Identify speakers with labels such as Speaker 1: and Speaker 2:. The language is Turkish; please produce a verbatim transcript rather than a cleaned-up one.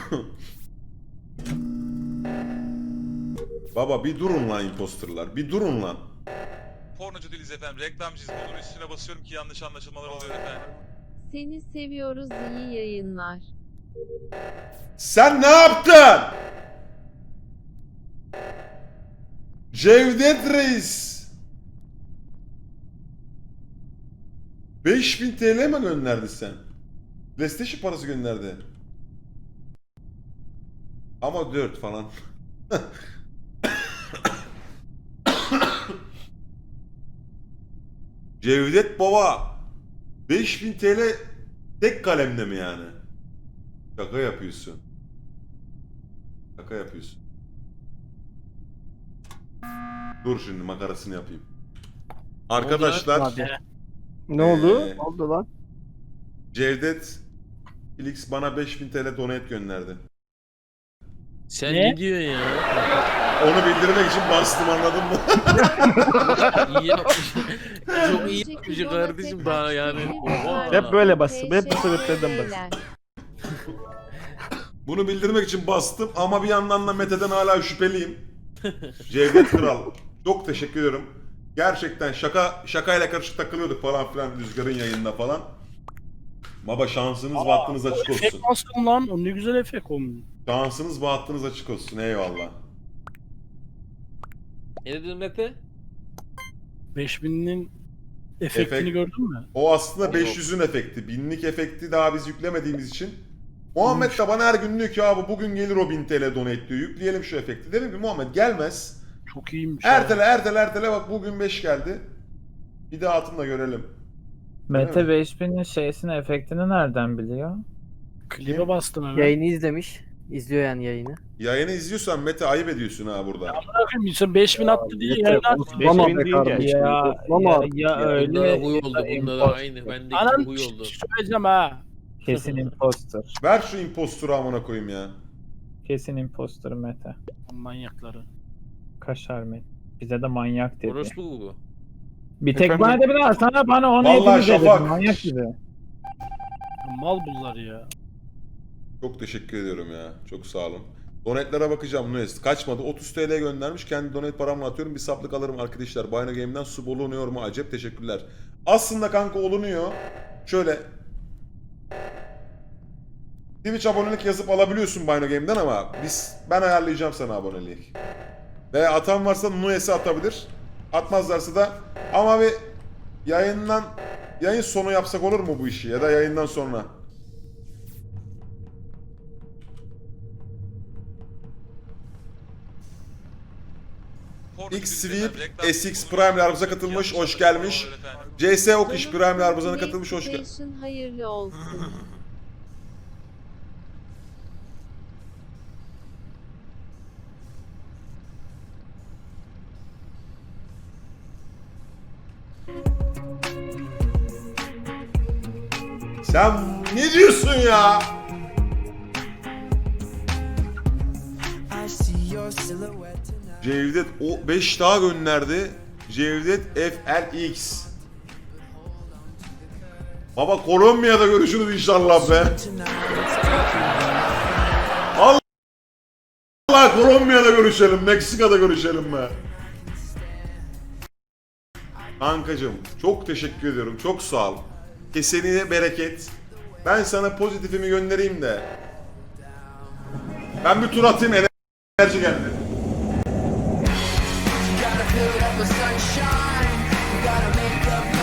Speaker 1: Baba bir durun lan imposterlar. Bir durun lan.
Speaker 2: Pornocu değiliz efendim. Reklamcıyız. Bunun üstüne basıyorum ki yanlış anlaşılmalar oluyor efendim.
Speaker 3: Seni seviyoruz, iyi yayınlar.
Speaker 1: Sen ne yaptın? Cevdet Reis. beş bin T L mi gönderdi sen? PlayStation parası gönderdi. Ama dört falan. Cevdet baba. beş bin T L tek kalemde mi yani? Şaka yapıyorsun. Şaka yapıyorsun. Dur şimdi makarasını yapayım. Arkadaşlar
Speaker 4: Ne oldu?
Speaker 1: Ee,
Speaker 4: Ne oldu lan?
Speaker 1: Cevdet Felix bana beş bin T L donate gönderdi.
Speaker 5: Sen
Speaker 4: Ne?
Speaker 5: ne diyorsun ya?
Speaker 1: Onu bildirmek için bastım, anladın mı?
Speaker 5: İyi yapmış. Çok iyi yapmış kardeşim daha yani. Oha.
Speaker 4: Hep böyle bastım. Hep bu sebeplerden bastım.
Speaker 1: Bunu bildirmek için bastım ama bir yandan da Mete'den hala şüpheliyim. Cevdet Kral. Çok teşekkür ediyorum. Gerçekten şaka şakayla karışık takılıyorduk falan filan Rüzgar'ın yayında falan. Baba şansınız ve hattınız açık
Speaker 4: Efekt
Speaker 1: olsun.
Speaker 4: bastım lan. O ne güzel efekt olmuş.
Speaker 1: Şansınız ve hattınız açık olsun. Eyvallah.
Speaker 5: Ne dedin Mete?
Speaker 4: beş binin efektini
Speaker 1: Efekt.
Speaker 4: gördün mü?
Speaker 1: O aslında beş yüzün efekti. Binlik efekti daha biz yüklemediğimiz için. Muhammed de bana her gün diyor ki abi bugün gelir o bin T L donate diyor. Yükleyelim şu efekti. Dedim ki Muhammed gelmez.
Speaker 4: Çok iyiymiş.
Speaker 1: Ertele ertele ertele bak bugün beş geldi. Bir daha atın da görelim.
Speaker 6: Mete
Speaker 1: Evet.
Speaker 6: beş binin şeysini, efektini nereden biliyor?
Speaker 4: Klibe bastım hemen.
Speaker 7: Yayını izlemiş. İzliyor yani yayını.
Speaker 1: Yayını izliyorsan Mete ayıp ediyorsun ha burada.
Speaker 4: Bakayım insan beş bin attı diye yayını attı.
Speaker 7: Bana
Speaker 4: beş bin
Speaker 7: be
Speaker 4: deyince.
Speaker 7: kardeşim.
Speaker 6: Ya,
Speaker 7: Toplama
Speaker 6: ya,
Speaker 7: artık
Speaker 6: ya
Speaker 7: ya.
Speaker 6: öyle
Speaker 5: Bunlara
Speaker 6: ya
Speaker 5: huy oldu.
Speaker 6: da
Speaker 5: Bunlara
Speaker 6: imposter.
Speaker 5: aynı. Bendeki
Speaker 4: Anam
Speaker 5: huy oldu.
Speaker 4: söyleyeceğim ha.
Speaker 6: Kesin imposter.
Speaker 1: Ver şu imposturu amına koyayım ya.
Speaker 6: Kesin imposter Mete.
Speaker 4: Manyakları.
Speaker 6: Kaşar Mete. Bize de manyak dedi.
Speaker 5: Orospu bu.
Speaker 6: Bir tek
Speaker 4: Efendim?
Speaker 6: bana da bir daha sana bana onu
Speaker 1: Vallahi
Speaker 6: hepimiz dedik.
Speaker 1: Şafak.
Speaker 6: Manyak gibi.
Speaker 4: Mal bunlar ya.
Speaker 1: Çok teşekkür ediyorum ya. Çok sağ olun. Donate'lere bakacağım Nunes. Kaçmadı. otuz T L göndermiş. Kendi donate paramla atıyorum. Bir saplık alırım arkadaşlar. Bino Game'den sub olunuyor mu? Acep teşekkürler. Aslında kanka olunuyor. Şöyle. Twitch abonelik yazıp alabiliyorsun Bino Game'den ama biz ben ayarlayacağım sana abonelik. Ve atan varsa Nunes'e atabilir. Atmazlarsa da ama bir yayından yayın sonu yapsak olur mu bu işi ya da yayından sonra?
Speaker 2: Pornocu
Speaker 1: X
Speaker 2: değiliz efendim.
Speaker 1: Sweep
Speaker 2: Reklamcıyız.
Speaker 1: S X
Speaker 2: Bunun
Speaker 1: Prime
Speaker 2: üstüne
Speaker 1: aramıza
Speaker 2: basıyorum ki
Speaker 1: katılmış.
Speaker 2: yanlış
Speaker 1: Hoş gelmiş.
Speaker 2: anlaşılmalar oluyor efendim.
Speaker 1: C S Okiş
Speaker 3: Canım
Speaker 1: Prime aramıza katılmış. Hoş geldin.
Speaker 3: PlayStation hayırlı olsun.
Speaker 1: Sen ne diyorsun ya? Cevdet o beş daha gönderdi. Cevdet F L X. Baba Kolombiya'da görüşürüz inşallah be. Allah Allah Kolombiya'da görüşelim, Meksika'da görüşelim be. Kankacım çok teşekkür ediyorum. Çok sağ ol. Keseniye bereket. Ben sana pozitifimi göndereyim de. Ben bir tur atayım, enerji geldi.
Speaker 8: Gotta fill it up with sunshine. You gotta make up